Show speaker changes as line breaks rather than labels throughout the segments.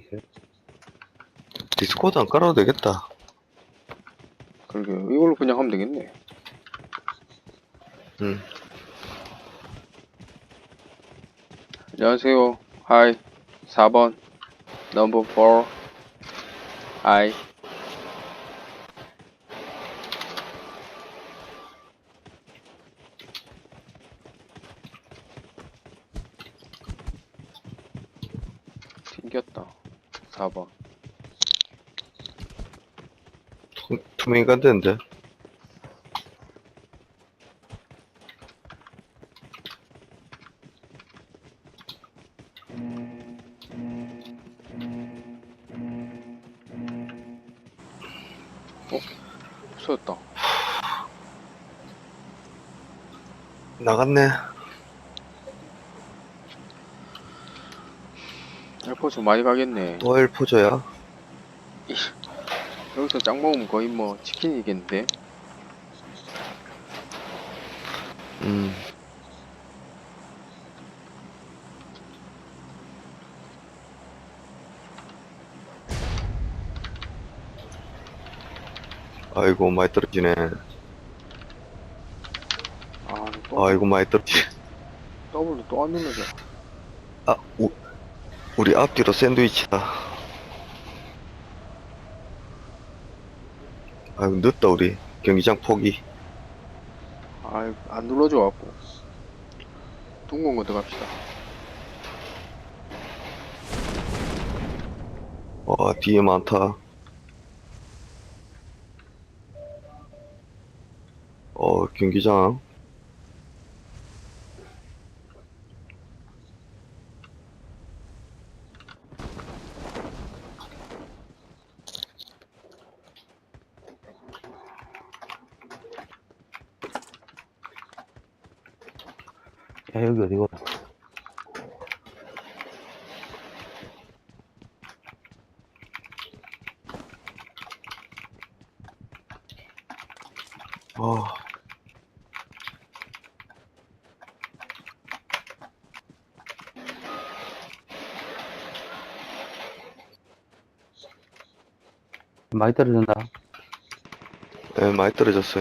디스코드 안 깔아도 되겠다.
그러게 이걸로 그냥 하면 되겠네.
응.
안녕하세요. 하이. 4번. 넘버 4. 하이. 튕겼다. 4번.
투명이가 안 되는데.
없어졌다.
나갔네.
에어포스 많이 가겠네.
또 엘포저야.
여기서 짱 먹으면 거의 뭐 치킨이겠는데?
음. 아이고, 많이 떨어지네.
아,
아이고, 많이 떨어지네.
더블로 또 안 눌러져.
아, 우리 앞뒤로 샌드위치다. 아이고, 늦다, 우리. 경기장 포기.
아, 안 눌러져 갖고. 둥근 거 들어갑시다.
와, 뒤에 많다. 경기장.
야, 여기 어디고?
아,
많이 떨어진다.
네, 많이 떨어졌어요.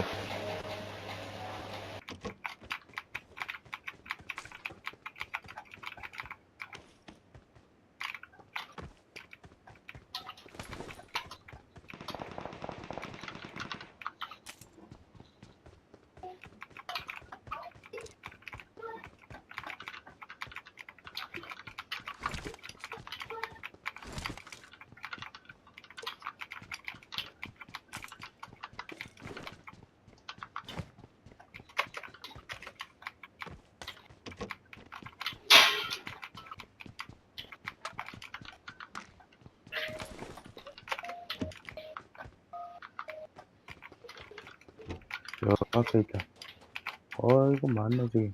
저 앞에 있다. 어이구, 많네, 저기.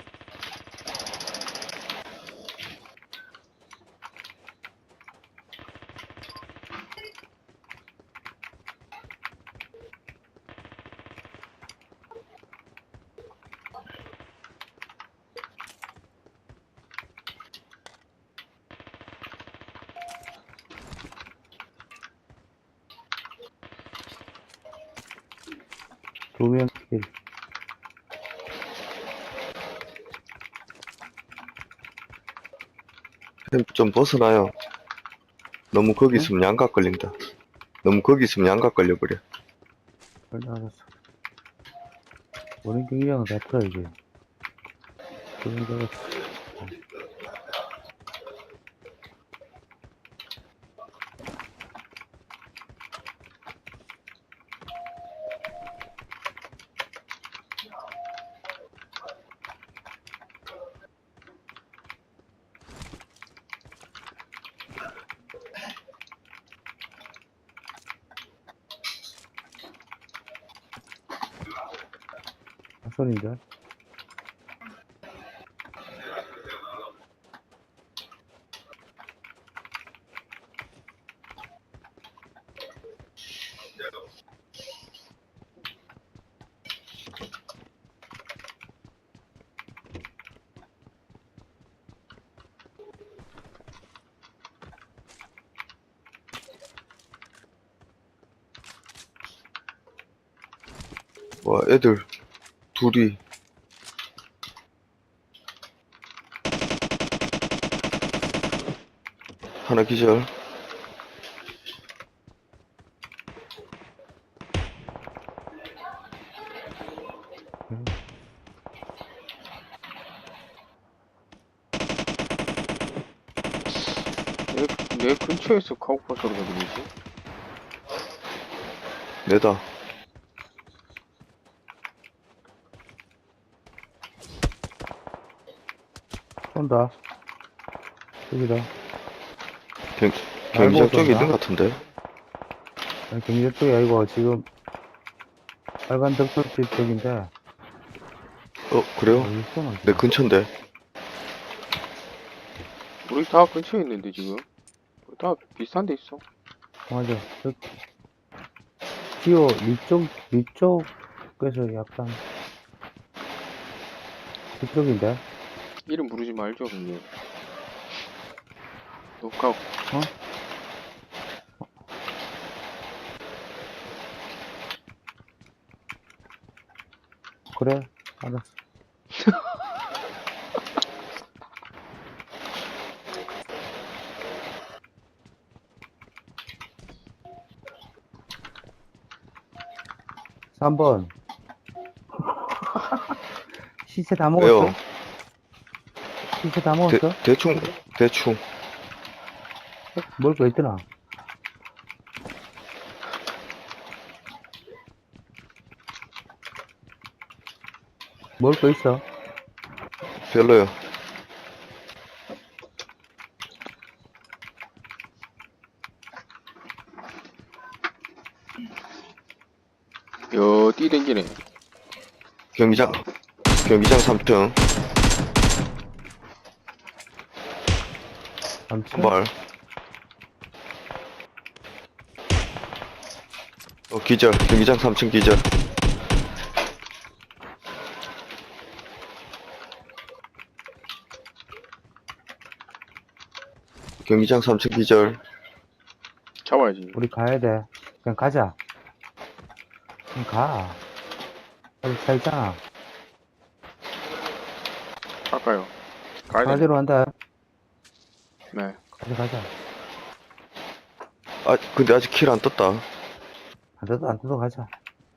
두 명 킬.
좀 벗어나요. 너무 거기
응?
있으면 양각 걸린다. 너무 거기 있으면 양각 걸려버려.
그래, 알았어. 우리 경기장은 다 틀어야지. 그런 데가 손인데?
와, 애들 둘이. 하나 기절.
내 근처에서 카우파 소리가 들리지?
내다.
쏜다. 여기다.
경기장
알고
쪽에
쏜다.
있는 것 같은데.
아니, 경기도 쪽이 아니고, 지금, 빨간 덕돌집 쪽인데,
그래요?
어디 쏘나?
내 근처인데.
우리 다 근처에 있는데 지금 우리 다 비슷한 데 있어.
맞아. 기어, 위쪽에서 약간, 그쪽인데?
이름 부르지 말죠 형님. 녹화
그래, 알았어. 삼번 시체 다 먹었어?
왜요?
시체 다 먹었어?
대충.
먹을 거 있더나? 먹을 거 있어?
별로요.
뛰 댕기네.
경기장 3층.
삼촌?
한 발. 기절. 경기장 3층 기절. 경기장 3층 기절.
잡아야지.
우리 가야 돼. 그냥 가자. 그냥 가. 여기 차 있잖아.
갈까요? 가야 돼.
가지로 한다.
네.
가자.
근데 아직 킬 안 떴다.
안 뜯어 가자.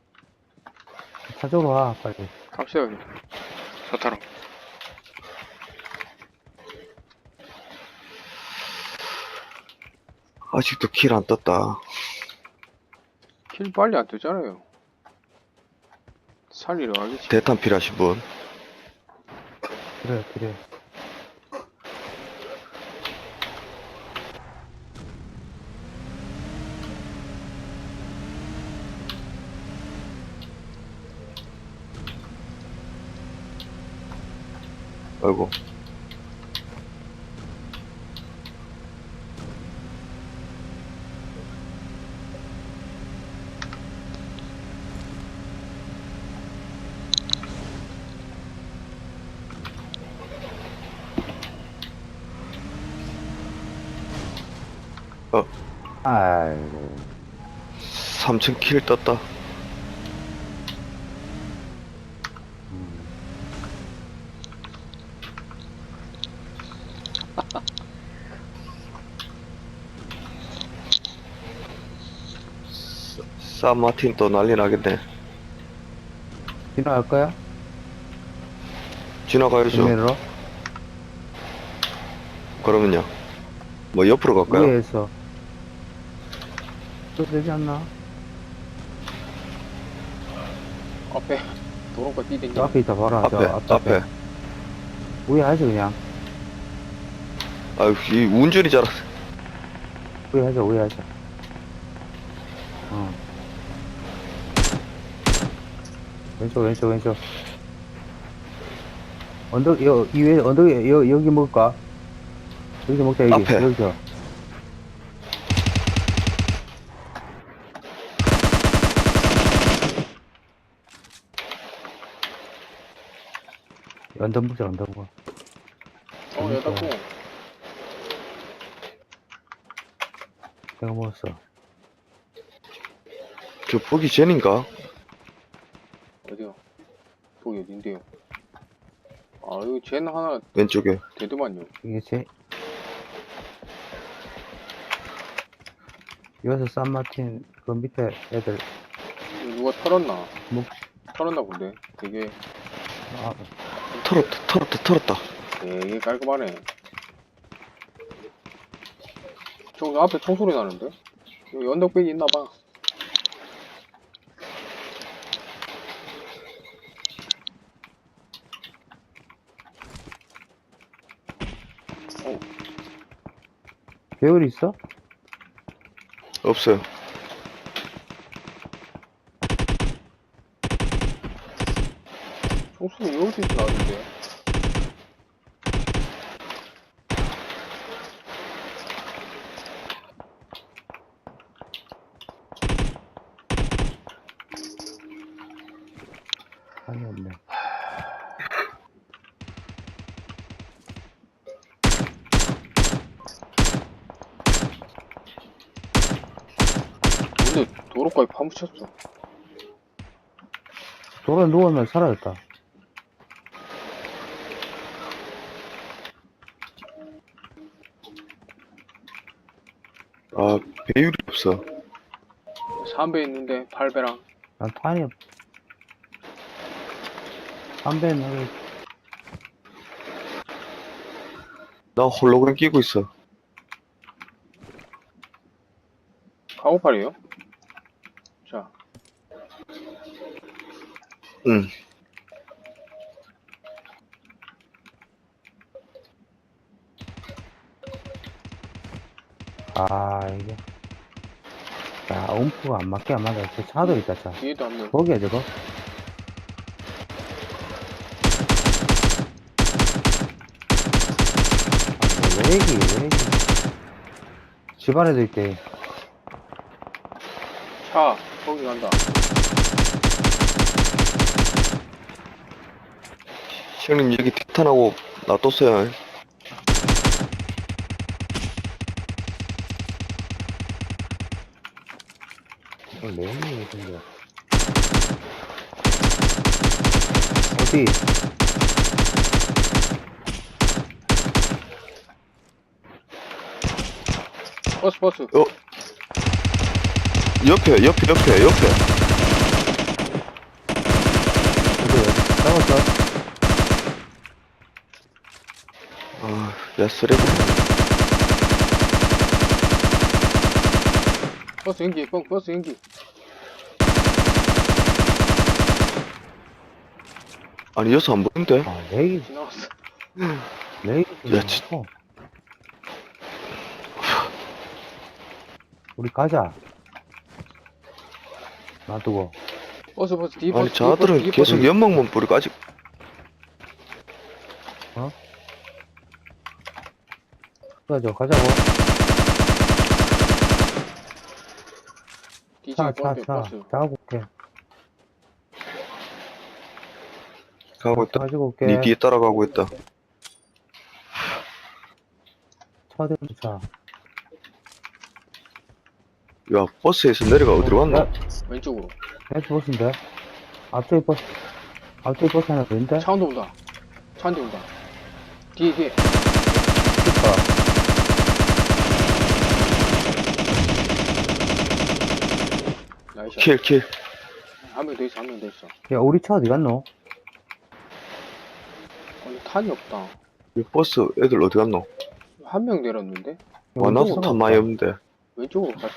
차 쪽으로 와, 빨리.
갑시다 형님. 차 타러.
아직도 킬 안 떴다.
킬 빨리 안 뜨잖아요. 살리러 가겠지.
대탄 필요하신 분.
그래.
아이고.
아이고.
3층 킬 떴다. 산마틴 또 난리 나겠네.
지나갈 거야?
지나가야죠.
정면으로?
그러면요. 뭐 옆으로 갈까요?
위에서. 또 되지 않나?
앞에 도로가 뛰 댕기.
저 앞에 있다, 봐라. 저
앞에.
위에 하지, 그냥.
아유, 이 운전이 잘.
위에 하자. 왼쪽. 언덕, 이 위에, 언덕에, 여기 먹을까? 여기서 먹자, 여기.
앞에.
여기서. 언덕 먹자, 언덕 먹어.
여닫고.
내가 먹었어.
저 보기 전인가?
거기 어딘데요? 아, 여기 쟤는 하나
왼쪽에.
되더만요.
이게 여기서 산마틴 그 밑에 애들
이거 누가 털었나?
뭐,
털었나 본데. 되게
털었다.
되게 깔끔하네. 저 앞에 총소리 나는데? 여기 언덕백이 있나봐.
배율 있어?
없어요.
총소리 여기서 나는데.
아니 없네.
근데 도로까지 파묻혔어.
도로에 누우면 사라졌다.
아, 배율이 없어.
3배 있는데 8배랑.
난 탄이 없. 담배 나를
나 홀로그램 끼고 있어.
카고팔이에요? 자,
응.
이게 음프가 안 맞게 안 맞아. 저 차도 있다 차.
뒤에도 한 명.
거기야 저거. 왜 얘기. 집안에도 있대.
차, 거기 간다.
형님, 여기 티탄하고 놔뒀어요.
왜 얘기 생겨. 어디?
버스.
옆에.
어디? 잡았어?
아, 야, 쓰레기.
버스 연기, 버스 연기.
아니, 여기서 안 보이는데?
렉이
지나갔어.
야,
좀 우리 가자. 놔두고.
버스, 뒤
아니,
버스.
저들은
뒤
계속
버스.
연막만 뿌리고 아직.
가자고.
뒤지게
차.
버스.
가고 올게.
가고 있다.
가지고 올게.
니 뒤에 따라가고 있다.
차 대고 차.
야, 버스에서 내려가 어디로 갔노?
야,
왼쪽으로.
왼쪽 버스인데? 앞쪽에 버스 하나 더 있는데?
차 온다. 차 한 대 온다. 뒤에.
있다.
나이스.
킬.
한 명 더 있어.
야, 우리 차 어디 갔노?
아니, 탄이 없다.
이 버스 애들 어디 갔노?
한 명 내렸는데?
와, 나도 탄 많이 없는데.
왼쪽으로 갔어.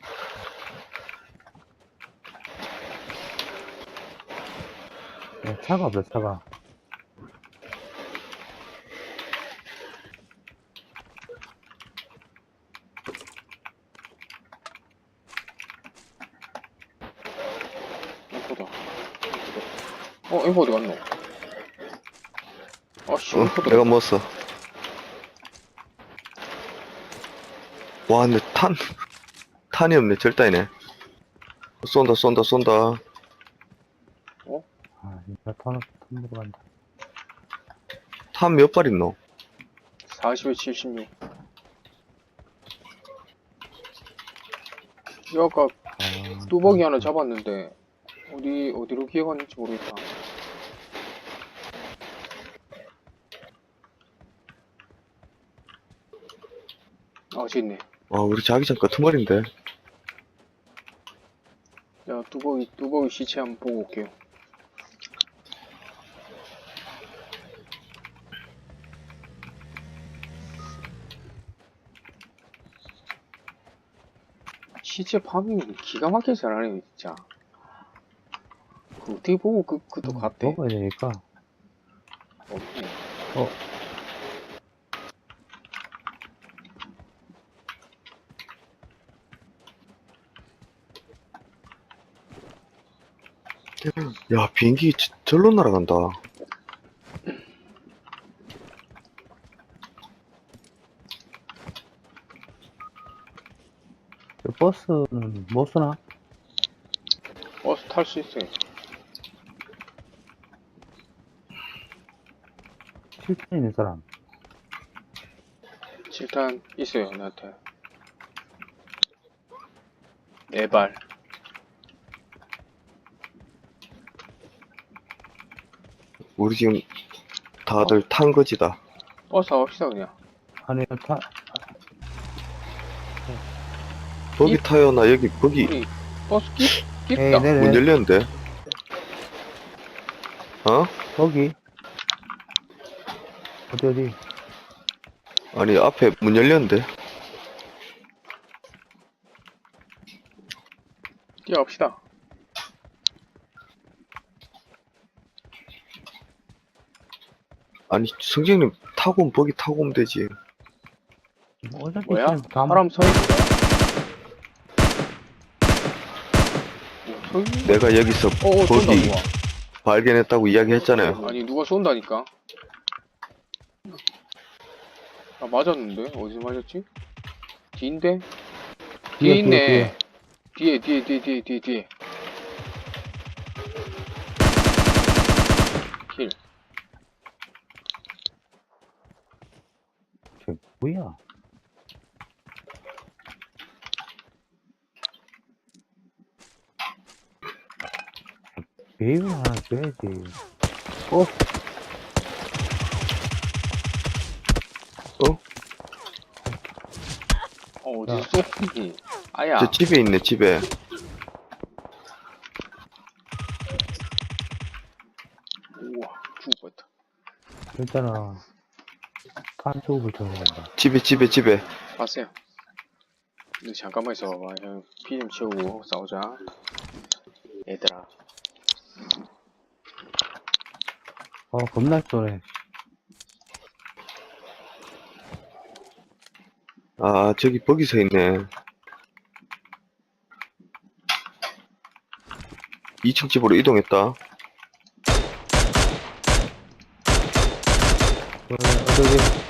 야, 차가 없어, 차가.
엠포다. 엠포 어디 갔노? 아씨, 엠포다.
내가 먹었어. 와, 근데 탄이 없네. 절단이네. 쏜다.
진짜 턴 들어간다.
탄 몇 발 있노?
40에 76. 아까 뚜벅이 하나 잡았는데 어디로 기어갔는지 모르겠다. 저 있네.
우리 자기장 끄트머리인데.
야, 뚜벅이 시체 한번 보고 올게요. 시체 파밍 기가 막히게 잘하네, 진짜. 그 어떻게 보고 그도 갔대?
먹어야 되니까.
없네.
야, 비행기 절로 날아간다.
저 버스는 못 쓰나?
버스 탈 수 있어요.
7천 있는 사람.
7탄 있어요, 나한테. 4발.
우리 지금 다들 탄 거지다.
버스 타봅시다, 그냥.
아니,
거기 타요, 나 여기, 거기
우리 버스
에이,
끼다.
네네.
문 열렸는데.
거기. 어디.
아니, 앞에 문 열렸는데.
뛰어갑시다.
아니, 성재님 타고 오면 거기 타고 오면 되지.
어차피
뭐야?
그냥 다
사람 서 있어. 서 있는
내가 여기서
쏜다,
거기
누가.
발견했다고 이야기했잖아요.
아니, 누가 쏜다니까? 아, 맞았는데? 어디서 맞았지? 뒤인데? 뒤에 있네. 뒤에. 킬.
저 뭐야? 배율 하나 줘야지.
어디서 쏘니? 아야.
저 집에 있네, 집에.
우와, 죽을 뻔했다.
일단은 탄수업을 쳐야 된다.
집에.
봤어요. 근데 잠깐만 있어봐봐. 형, 피 좀 채우고 싸우자. 얘들아.
겁나 쏘네.
아, 저기 버기 서 있네. 2층 집으로 이동했다.
어디.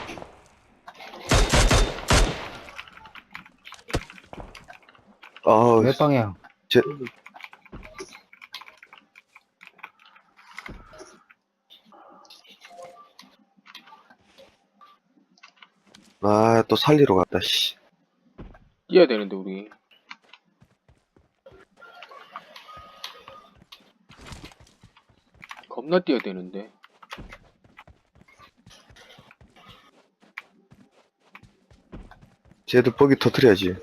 아,
몇 방향?
제, 또 살리러 갔다, 씨.
뛰어야 되는데, 우리. 겁나 뛰어야 되는데.
쟤도 버기 터트려야지.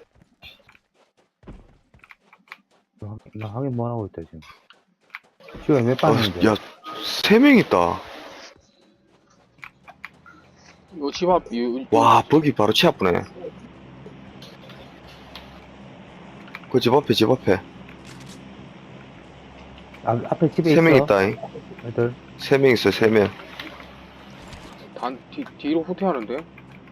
나 확인 뭐 하고 있다, 지금. 지금 몇 방향인데?
야, 3명 있다.
요 집 앞,
와, 버기 바로 치 아프네. 그 집 앞에.
앞에 집에 있어.
3명 있다.
애들.
3명 있어, 3명.
뒤로 후퇴하는데?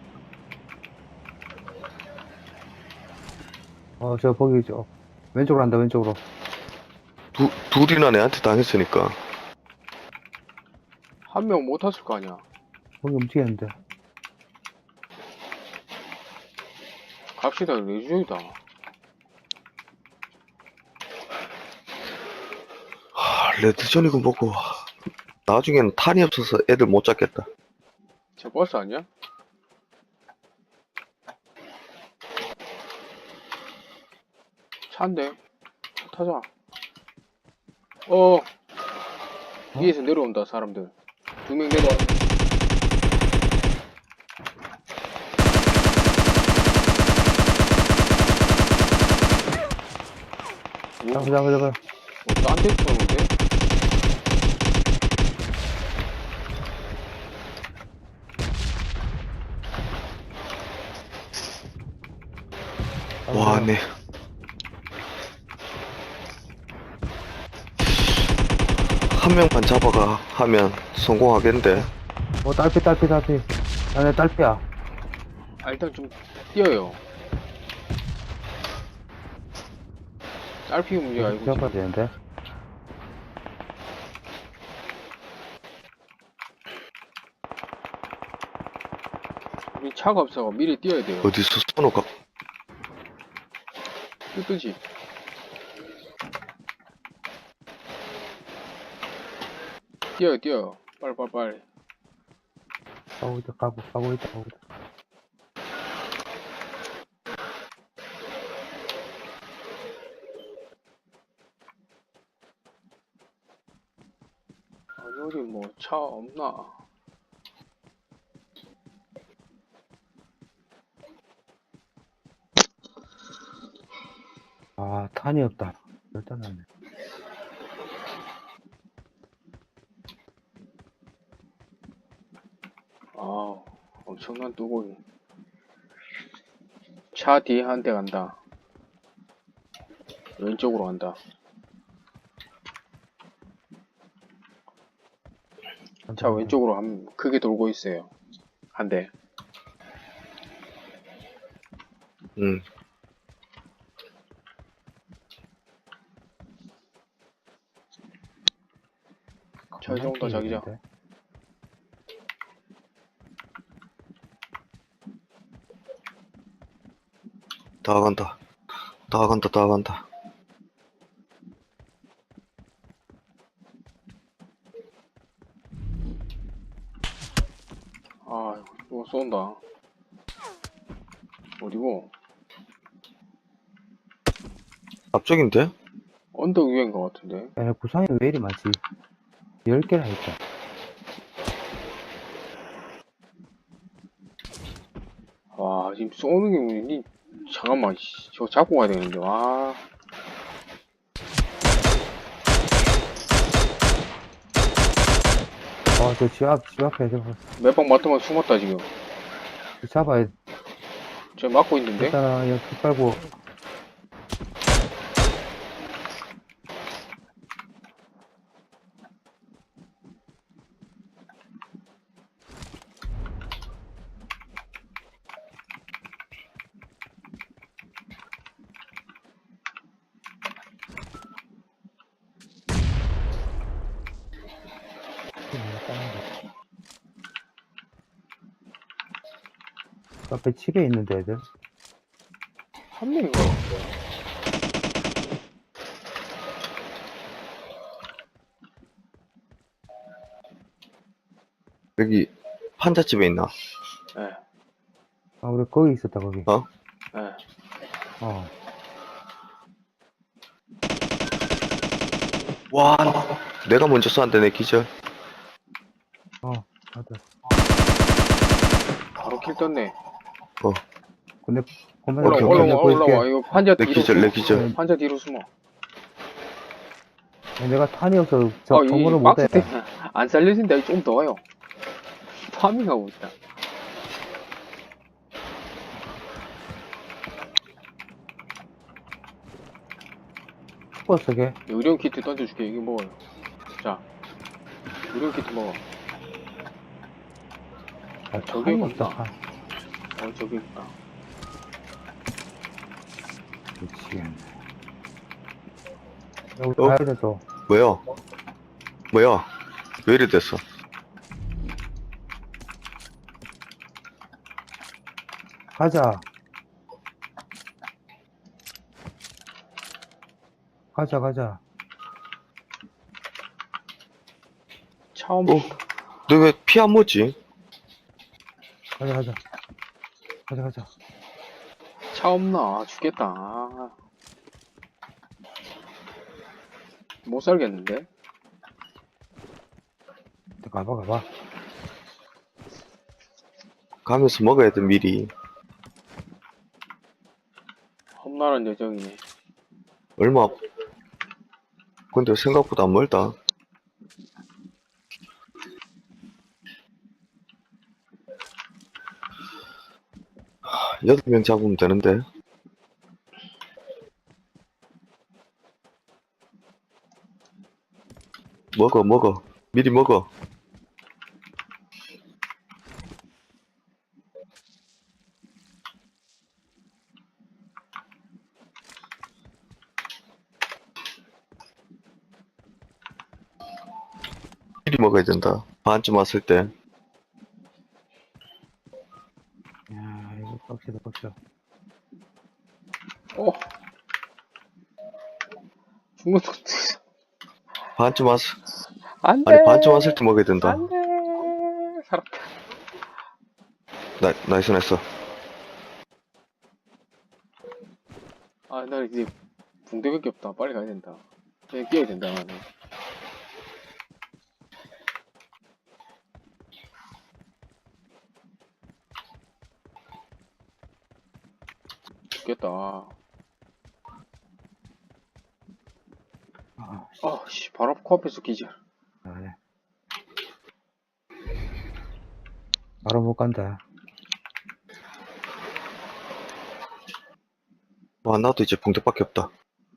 저 거기 왼쪽으로 한다, 왼쪽으로.
둘이나 내한테 당했으니까.
한 명 못 탔을 거 아니야.
거기 움직였는데.
갑시다, 레주이다.
레드존이고 뭐고. 나중에는 탄이 없어서 애들 못 잡겠다.
제 버스 아니야? 차인데? 타자. 위에서 내려온다, 사람들. 2명 내려와. 뭐,
잡아.
딴데 쏘는데?
와, 네. 한 명만 잡아가 하면 성공하겠는데.
딸피. 나네 딸피야.
아, 일단 좀 뛰어요. 딸피 문제가 아니고
잡아야
지금.
되는데.
우리 차가 없어서 미리 뛰어야 돼요.
어디서 쏘노가?
뜨지. 뛰어요. 빨리.
가고 있다.
아니, 어디 뭐 차 없나?
아, 탄이 없다. 일단은.
아, 엄청난 뚜벅이. 차 뒤에 한 대 간다. 왼쪽으로 간다. 차 왼쪽으로 크게 돌고 있어요. 한 대.
응.
차 이제 온다, 자기장.
다 간다.
아, 이거 쏜다. 어디고?
앞쪽인데?
언덕 위인 것 같은데.
야, 구상이 왜 이리 많지? 10개나 있다.
와, 지금 쏘는 게 뭐니? 잠깐만, 씨, 저거 잡고 가야 되는데, 와.
저 집 앞에
몇 방 맞더만 숨었다, 지금.
잡아야
저 막고 있는데?
일단은 여기 빨고 그 앞에 집에 있는데 애들.
한 명인 것 같은데.
여기 판잣집에 있나?
예,
우리 거기 있었다 거기.
어?
예.
와, 내가 먼저 쏘는데 내 기절.
맞아.
바로 킬 떴네.
근데 보면
오케이, 오케이.
올라와. 이거 판자
내
뒤로
기절,
숨어.
내 기절.
판자 뒤로 숨어.
내가 탄이 없어 저
이
건물을
박스
못해.
때문에 안 살려진다. 좀 더 와요. 파밍하고 있다.
죽었어 걔.
의료용 키트 던져줄게. 이거 먹어요. 자, 의료용 키트 먹어. 저기
탄이
없다.
없다.
저기 있다.
미치겠네. 여기 가야 돼 또.
뭐야? 왜 이래 됐어?
가자.
처음
너 왜 피 안 먹지?
가자.
차 없나? 죽겠다. 아. 못 살겠는데?
가봐.
가면서 먹어야 돼, 미리.
험난한 여정이네.
얼마 근데 생각보다 안 멀다. 여덟 명 잡으면 되는데. 먹어. 미리 먹어. 미리 먹어야 된다. 반쯤 왔을 때.
야, 이거 빡시다.
어. 중국
반쯤 왔을,
안돼.
아니, 반쯤 왔을 때 먹어야 된다.
안돼. 살았다.
나이스.
아, 나 이제 붕대밖에 없다. 빨리 가야 된다. 그냥 뛰어야 된다. 나는. 죽겠다.
아,
씨, 바로 코앞에서 기절.
네. 바로 못 간다.
와, 나도 이제 붕대밖에 없다.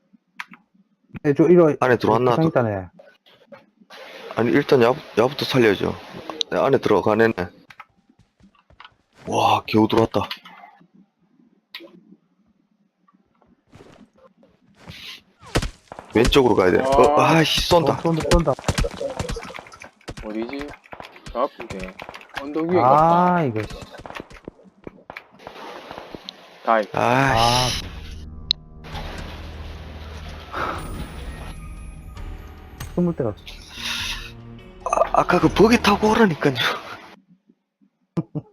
이거
안에 들어왔나?
상단에.
아니, 일단 야부터 살려야죠. 내 안에 들어가네. 와, 겨우 들어왔다. 왼쪽으로 가야 돼. 아이씨, 쏜다.
쏜다.
어디지? 저 앞인데. 언덕 위에 갔다.
아, 이거. 씨.
다이.
아,
숨을 데가 없어.
아까 그 버기 타고 오라니까요.